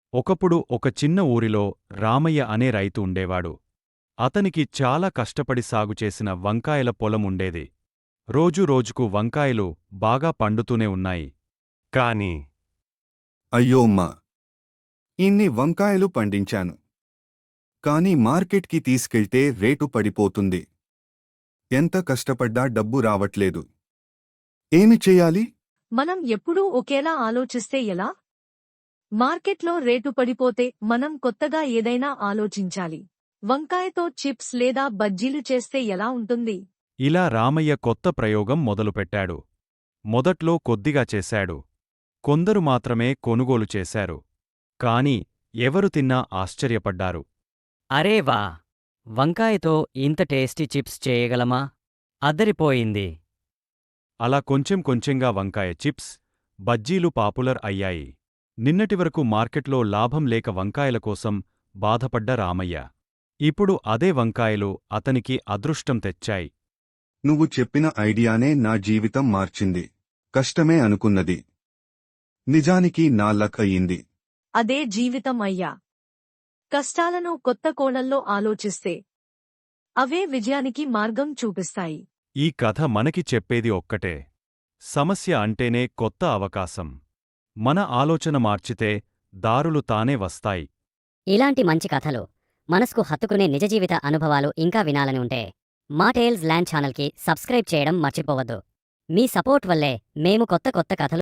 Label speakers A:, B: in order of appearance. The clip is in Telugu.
A: ఒకప్పుడు ఒక చిన్న ఊరిలో రామయ్య అనే రైతు ఉండేవాడు. అతనికి చాలా కష్టపడి సాగుచేసిన వంకాయల పొలం ఉండేది. రోజు రోజుకు వంకాయలు బాగా పండుతూనే ఉన్నాయి.
B: కాని
C: అయ్యోమ్మా! ఇన్ని వంకాయలు పండించాను. కానీ మార్కెట్కి తీసుకెళ్తే రేటు పడిపోతుంది. ఎంత కష్టపడ్డా డబ్బు రావట్లేదు. ఏమి చెయ్యాలి?
D: మనం ఎప్పుడూ ఒకేలా ఆలోచిస్తే ఎలా? మార్కెట్లో రేటు పడిపోతే మనం కొత్తగా ఏదైనా ఆలోచించాలి. వంకాయతో చిప్స్ లేదా బజ్జీలు చేస్తే ఎలా ఉంటుంది?
A: ఇలా రామయ్య కొత్త ప్రయోగం మొదలుపెట్టాడు. మొదట్లో కొద్దిగా చేశాడు. కొందరు మాత్రమే కొనుగోలు చేశారు. కాని ఎవరు తిన్నా ఆశ్చర్యపడ్డారు.
E: అరే వా! వంకాయతో ఇంత టేస్టీ చిప్స్ చేయగలమా? అద్దరిపోయింది.
A: అలా కొంచెం కొంచెంగా వంకాయ చిప్స్, బజ్జీలు పాపులర్ అయ్యాయి. నిన్నటివరకు మార్కెట్లో లాభం లేక వంకాయల కోసం బాధపడ్డ రామయ్య ఇప్పుడు అదే వంకాయలు అతనికి అదృష్టం తెచ్చాయి.
C: నువ్వు చెప్పిన ఐడియానే నా జీవితం మార్చింది. కష్టమే అనుకున్నది నిజానికి నా లక్ అయ్యింది.
D: అదే జీవితం అయ్యా. కష్టాలను కొత్త కోణంలో ఆలోచిస్తే అవే విజయానికి మార్గం చూపిస్తాయి.
A: ఈ కథ మనకి చెప్పేది ఒక్కటే. సమస్య అంటేనే కొత్త అవకాశం. మన ఆలోచన మార్చితే దారులు తానే వస్తాయి.
F: ఇలాంటి మంచి కథలు మనసుకు హత్తుకునే నిజ జీవిత అనుభవాలు ఇంకా వినాలని ఉంటే మా టేల్స్ ల్యాండ్ ఛానల్కి సబ్స్క్రైబ్ చేయడం మర్చిపోవద్దు. మీ సపోర్ట్ వల్లే మేము కొత్త కథలు